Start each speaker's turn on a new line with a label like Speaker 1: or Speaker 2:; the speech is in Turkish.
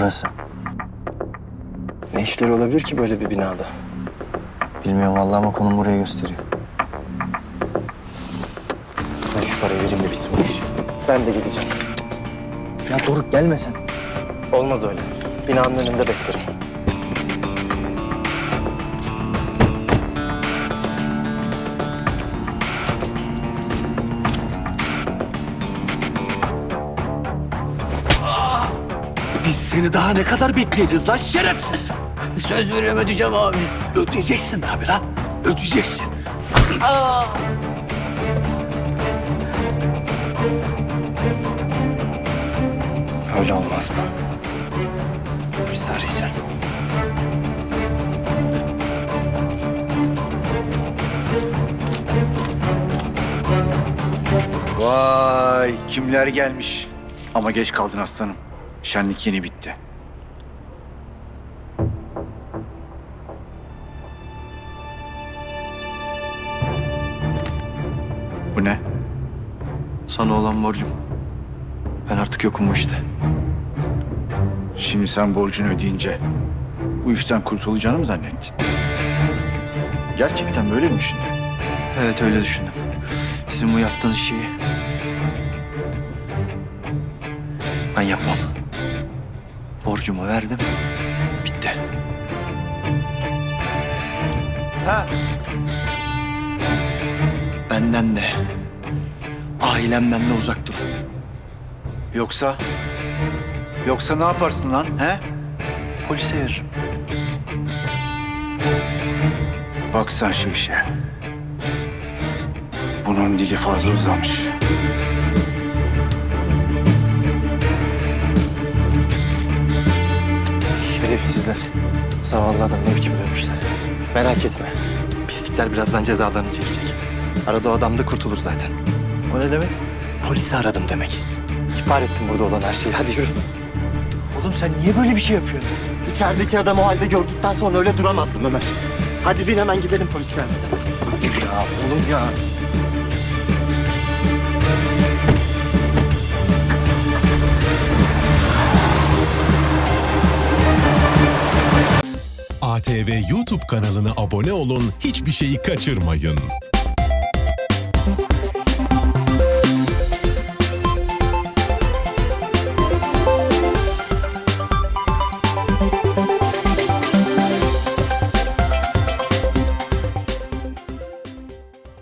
Speaker 1: Burası.
Speaker 2: Ne işleri olabilir ki böyle bir binada?
Speaker 1: Bilmiyorum vallahi ama konum burayı gösteriyor.
Speaker 2: Ben şu parayı vereyim de bitsin bu iş. Ben de gideceğim.
Speaker 1: Ya Doruk gelme sen.
Speaker 2: Olmaz öyle. Binanın önünde beklerim.
Speaker 3: Biz seni daha ne kadar bekleyeceğiz lan şerefsiz?
Speaker 4: Söz veriyorum ödeyeceğim abi.
Speaker 3: Ödeyeceksin tabii lan. Ödeyeceksin.
Speaker 2: Öyle olmaz mı? Biz arayacağım.
Speaker 5: Vay kimler gelmiş. Ama geç kaldın aslanım. Şenlik yeni bitti. Bu ne?
Speaker 1: Sana olan borcum. Ben artık yokum bu işte.
Speaker 5: Şimdi sen borcunu ödeyince bu işten kurtulacağını mı zannettin? Gerçekten böyle mi düşündün?
Speaker 1: Evet öyle düşündüm. Sizin bu yaptığınız şeyi ben yapmam. Borcumu verdim. Bitti. Benden de, ailemden de uzak durun.
Speaker 5: Yoksa ne yaparsın lan he?
Speaker 1: Polise veririm.
Speaker 5: Bak sen şu işe. Bunun dili fazla uzamış.
Speaker 2: Şerefsizler. Zavallı adam ne biçim dövmüşler. Merak etme. Pislikler birazdan cezalarını çekecek. Arada o adam da kurtulur zaten.
Speaker 1: O ne demek?
Speaker 2: Polisi aradım demek. İhbar ettim burada olan her şeyi. Hadi yürü.
Speaker 1: Oğlum sen niye böyle bir şey yapıyorsun?
Speaker 2: İçerideki adamı o halde gördükten sonra öyle duramazdım Ömer. Hadi bin hemen gidelim polislerle.
Speaker 1: Ya oğlum ya.
Speaker 6: ATV YouTube kanalına abone olun, hiçbir şeyi kaçırmayın.